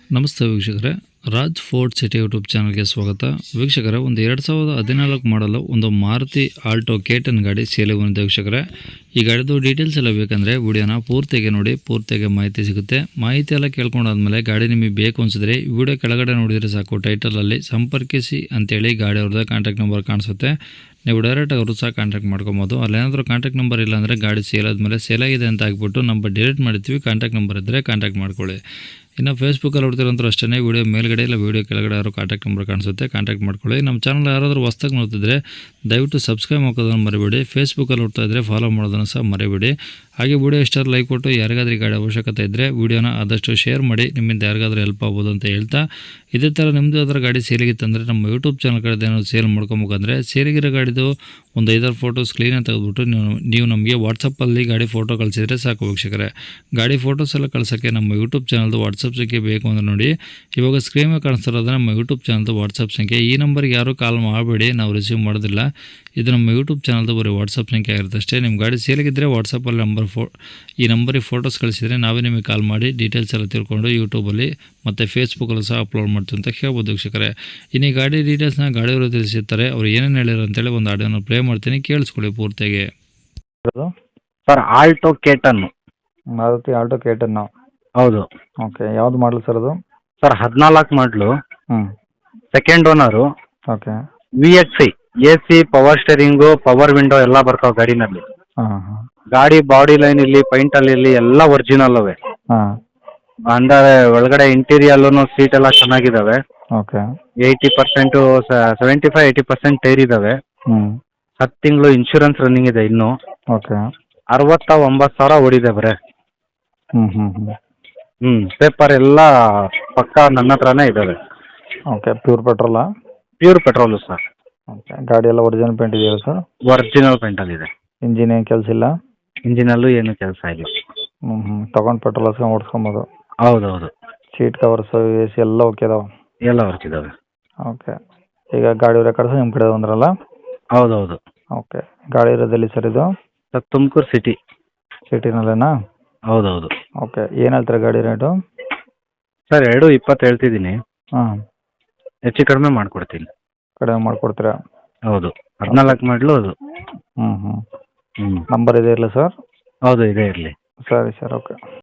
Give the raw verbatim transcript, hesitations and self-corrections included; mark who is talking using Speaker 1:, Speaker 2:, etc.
Speaker 1: ನಮಸ್ತೆ ವೀಕ್ಷಕರೇ, Raj fort city YouTube ಚಾನಲ್ಗೆ ಸ್ವಾಗತ. ವೀಕ್ಷಕರೇ, ಒಂದು ಎರಡು ಸಾವಿರದ ಹದಿನಾಲ್ಕು ಮಾಡಲು ಒಂದು ಮಾರುತಿ ಆಲ್ಟೋ ಕೆ ಟೆನ್ ಗಾಡಿ ಸೇಲಿಗೆ ಬಂದಿದೆ. ವೀಕ್ಷಕರೇ, ಈ ಗಾಡಿದು ಡೀಟೇಲ್ಸ್ ಎಲ್ಲ ಬೇಕಂದರೆ ವಿಡಿಯೋನ ಪೂರ್ತಿಗೆ ನೋಡಿ, ಪೂರ್ತಿಗೆ ಮಾಹಿತಿ ಸಿಗುತ್ತೆ. ಮಾಹಿತಿ ಎಲ್ಲ ಕೇಳ್ಕೊಂಡಾದ್ಮೇಲೆ ಗಾಡಿ ನಿಮಗೆ ಬೇಕು ಅನಿಸಿದ್ರೆ ವಿಡಿಯೋ ಕೆಳಗಡೆ ನೋಡಿದರೆ ಸಾಕು, ಟೈಟಲಲ್ಲಿ ಸಂಪರ್ಕಿಸಿ ಅಂತೇಳಿ ಗಾಡಿ ಅವ್ರದ್ದು ಕಾಂಟ್ಯಾಕ್ಟ್ ನಂಬರ್ ಕಾಣಿಸುತ್ತೆ. ನೀವು ಡೈರೆಕ್ಟಾಗಿ ಅವರು ಸಹ ಕಾಂಟ್ಯಾಕ್ಟ್ ಮಾಡ್ಕೊಬೋದು. ಅಲ್ಲೇನಾದರೂ ಕಾಂಟ್ಯಾಕ್ಟ್ ನಂಬರ್ ಇಲ್ಲ ಅಂದರೆ ಗಾಡಿ ಸೇಲ್ ಆದಮೇಲೆ ಸೇಲ್ ಆಗಿದೆ ಅಂತ ಹಾಕ್ಬಿಟ್ಟು ನಂಬರ್ ಡಿಲೀಟ್ ಮಾಡ್ತೀವಿ. ಕಾಂಟ್ಯಾಕ್ಟ್ ನಂಬರ್ ಇದ್ದರೆ ಕಾಂಟ್ಯಾಕ್ಟ್ ಮಾಡ್ಕೊಳ್ಳಿ. ಇನ್ನು ಫೇಸ್ಬುಕ್ಕಲ್ಲಿ ನೋಡ್ತಿರೋಂಥ ಅಷ್ಟೇ, ವೀಡಿಯೋ ಮೇಲ್ಗಡೆ ಇಲ್ಲ ವೀಡಿಯೋ ಕೆಳಗಡೆ ಯಾರು ಕಾಂಟ್ಯಾಕ್ಟ್ ನಂಬರ್ ಕಾಣಿಸುತ್ತೆ, ಕಾಂಟ್ಯಾಕ್ಟ್ ಮಾಡ್ಕೊಳ್ಳಿ. ನಮ್ಮ ಚಾನಲ್ ಯಾರಾದರೂ ಹೊಸ್ದಾಗಿ ನೋಡ್ತಿದ್ರೆ ದಯವಿಟ್ಟು ಸಬ್ಸ್ಕ್ರೈಬ್ ಹಾಕೋದನ್ನು ಮರಿಬೇಡಿ. ಫೇಸ್ಬುಕ್ಕಲ್ಲಿ ನೋಡ್ತಾ ಇದ್ದರೆ ಫಾಲೋ ಮಾಡೋದನ್ನು ಸಹ ಮರಿಬೇಡಿ. ಹಾಗೆ ವೀಡಿಯೋ ಇಷ್ಟ ಲೈಕ್ ಕೊಟ್ಟು ಯಾರಿಗಾದ್ರೂ ಗಾಡಿ ಅವಶ್ಯಕತೆ ಇದ್ದರೆ ವೀಡಿಯೋನ ಆದಷ್ಟು ಶೇರ್ ಮಾಡಿ, ನಿಮ್ಮಿಂದ ಯಾರಿಗಾದ್ರೂ ಹೆಲ್ಪ್ ಆಗ್ಬೋದು ಅಂತ ಹೇಳ್ತಾ, ಇದೇ ಥರ ನಿಮ್ಮದು ಯಾವ್ದಾರು ಗಾಡಿ ಸೇಲಿಗಿತ್ತಂದರೆ ನಮ್ಮ ಯೂಟ್ಯೂಬ್ ಚಾನಲ್ ಕಡೆ ಏನಾದ್ರು ಸೇಲ್ ಮಾಡ್ಕೊಬೇಕಂದ್ರೆ ಸೇಲಿಗಿರೋ ಗಾಡಿದು ಒಂದು ಐದಾರು ಫೋಟೋಸ್ ಕ್ಲೀನಾಗಿ ತೆಗೆದುಬಿಟ್ಟು ನೀವು ನೀವು ನಮಗೆ ವಾಟ್ಸಪ್ಪಲ್ಲಿ ಗಾಡಿ ಫೋಟೋ ಕಳಿಸಿದರೆ ಸಾಕು. ವೀಕ್ಷಕರೇ, ಗಾಡಿ ಫೋಟೋಸ್ ಎಲ್ಲ ಕಳ್ಸೋಕ್ಕೆ ನಮ್ಮ ಯೂಟ್ಯೂಬ್ ಚಾನಲ್ದು ವಾಟ್ಸಪ್ ಸಂಖ್ಯೆ ಬೇಕು ಅಂದರೆ ನೋಡಿ, ಇವಾಗ ಸ್ಕ್ರೀನ್ ಮೇಲೆ ಕಾಣಿಸ್ತಿರೋದು ನಮ್ಮ ಯೂಟ್ಯೂಬ್ ಚಾನಲ್ದು ವಾಟ್ಸಪ್ ಸಂಖ್ಯೆ. ಈ ನಂಬರ್ಗೆ ಯಾರೂ ಕಾಲ್ ಮಾಡಬೇಡಿ, ನಾವು ರಿಸೀವ್ ಮಾಡೋದಿಲ್ಲ. ಇದು ನಮ್ಮ ಯೂಟ್ಯೂಬ್ ಚಾನಲ್ದು ಬರೀ ವಾಟ್ಸಪ್ ಸಂಖ್ಯೆ ಆಗಿರುತ್ತೆ ಅಷ್ಟೇ. ನಿಮ್ಮ ಗಾಡಿ ಸೇಲಿಗಿದ್ದರೆ ವಾಟ್ಸಪ್ಪಲ್ಲಿ ನಂಬರ್ ಫೋ ಈ ನಂಬರಿಗೆ ಫೋಟೋಸ್ ಕಳಿಸಿದರೆ ನಾವೇ ನಿಮಗೆ ಕಾಲ್ ಮಾಡಿ ಡೀಟೇಲ್ಸ್ ಎಲ್ಲ ತಿಳ್ಕೊಂಡು ಯೂಟ್ಯೂಬಲ್ಲಿ ಮತ್ತು ಫೇಸ್ಬುಕ್ಕಲ್ಲೂ ಸಹ ಅಪ್ಲೋಡ್ ಮಾಡ್ತೀವಿ ಅಂತ ಹೇಳ್ಬೋದು. ವೀಕ್ಷಕರೇ, ಇನ್ನು ಈ ಗಾಡಿ ಡೀಟೇಲ್ಸ್ನ ಗಾಡಿಯವರು ತಿಳಿಸಿರ್ತಾರೆ, ಅವ್ರು ಏನೇನು ಹೇಳಿದ್ರು ಅಂತೇಳಿ ಒಂದು ಆಡಿಯೋನ ಪ್ಲೇ ಮಾಡ್ತೀನಿ, ಕೇಳಿಸ್ಕೊಳ್ಳಿ ಪೂರ್ತಿಯಾಗಿ.
Speaker 2: Sir Alto K ten.
Speaker 3: Maruti Alto K ten.
Speaker 2: ಹೌದು
Speaker 3: ಓಕೆ, ಯಾವ್ದು ಮಾಡಲು ಸರ್ ಅದು?
Speaker 2: ಸರ್ ಹದಿನಾಲ್ಕು ಮಾಡಲು,
Speaker 3: ಹ್ಞೂ
Speaker 2: second owner,
Speaker 3: okay.
Speaker 2: V X I, A C, power steering, power window ಎಲ್ಲ ಬರ್ತಾವೆ ಗಾಡಿನಲ್ಲಿ.
Speaker 3: ಹಾಂ ಹಾಂ
Speaker 2: ಗಾಡಿ ಬಾಡಿ ಲೈನ್ ಇಲ್ಲಿ ಪೈಂಟಲ್ಲಿ ಇಲ್ಲಿ ಎಲ್ಲ ಒರಿಜಿನಲ್ ಅವೆ.
Speaker 3: ಹಾಂ
Speaker 2: ಅಂದರೆ ಒಳಗಡೆ ಇಂಟೀರಿಯಲ್ಲೂ ಸೀಟ್ ಎಲ್ಲ ಚೆನ್ನಾಗಿದ್ದಾವೆ.
Speaker 3: Okay.
Speaker 2: Eighty percent seventy five eighty percent tyre ಇದ್ದಾವೆ.
Speaker 3: ಹ್ಞೂ
Speaker 2: ಹತ್ತು ತಿಂಗಳು ಇನ್ಶೂರೆನ್ಸ್ ರನ್ನಿಂಗ್ ಇದೆ ಇನ್ನು.
Speaker 3: ಓಕೆ.
Speaker 2: ಅರವತ್ತ ಒಂಬತ್ತು ಸಾವಿರ ಓಡಿದೆ ಬರೇ.
Speaker 3: ಹ್ಞೂ ಹ್ಞೂ ಹ್ಞೂ
Speaker 2: ಹ್ಞೂ ಪೇಪರ್ ಎಲ್ಲ ಪಕ್ಕ ನನ್ನ ಹತ್ರನೇ ಇದ್ದಾವೆ.
Speaker 3: ಓಕೆ, ಪ್ಯೂರ್ ಪೆಟ್ರೋಲಾ?
Speaker 2: Pure petrol sir.
Speaker 3: ಓಕೆ. ಗಾಡಿ ಎಲ್ಲ ಒರಿಜಿನಲ್ ಪೇಂಟ್ ಇದೆಯಲ್ಲ ಸರ್?
Speaker 2: ಒರಿಜಿನಲ್ ಪೇಂಟಲ್ಲಿದೆ.
Speaker 3: ಇಂಜಿನ್ ಏನು ಕೆಲಸ ಇಲ್ಲ?
Speaker 2: ಇಂಜಿನಲ್ಲೂ ಏನು ಕೆಲಸ ಇಲ್ಲ.
Speaker 3: ಹ್ಞೂ ಹ್ಞೂ ತೊಗೊಂಡು ಪೆಟ್ರೋಲ್ ಹಾಕ್ಸ್ಕೊಂಡು ಓಡಿಸ್ಕೊಬೋದು?
Speaker 2: ಹೌದೌದು.
Speaker 3: ಸೀಟ್ ಕವರ್ಸು, ಎ ಸಿ ಎಲ್ಲ ಓಕೆ ಇದಾವೆ?
Speaker 2: ಎಲ್ಲ ವರ್ಕಿದ್ದಾವೆ.
Speaker 3: ಓಕೆ. ಈಗ ಗಾಡಿ ರೆಕಾರ್ಡ್ಸ್ ನಿಮ್ಮ ಕಡೆ ಬಂದ್ರಲ್ಲ?
Speaker 2: ಹೌದೌದು.
Speaker 3: ಓಕೆ. ಗಾಡಿ ಇರೋದಲ್ಲಿ ಸರ್ ಇದು?
Speaker 2: Sir Tumakuru city.
Speaker 3: ಸಿಟಿನಲ್ಲೇನಾ?
Speaker 2: ಹೌದೌದು.
Speaker 3: ಓಕೆ. ಏನು ಹೇಳ್ತಾರೆ ಗಾಡಿ ರೇಟು?
Speaker 2: ಸರ್ ಎರಡು ಇಪ್ಪತ್ತು ಹೇಳ್ತಿದ್ದೀನಿ,
Speaker 3: ಹಾಂ.
Speaker 2: ಹೆಚ್ಚು ಕಡಿಮೆ ಮಾಡಿಕೊಡ್ತೀನಿ.
Speaker 3: ಕಡಿಮೆ ಮಾಡಿಕೊಡ್ತೀರಾ?
Speaker 2: ಹೌದು, ಹದಿನಾಲ್ಕು ಮಾಡಲು ಅದು.
Speaker 3: ಹ್ಞೂ ಹ್ಞೂ
Speaker 2: ಹ್ಞೂ
Speaker 3: ನಂಬರ್ ಇದೆ ಇರಲಿ ಸರ್?
Speaker 2: ಹೌದು, ಇದೇ ಇರಲಿ.
Speaker 3: ಸರಿ ಸರ್, ಓಕೆ.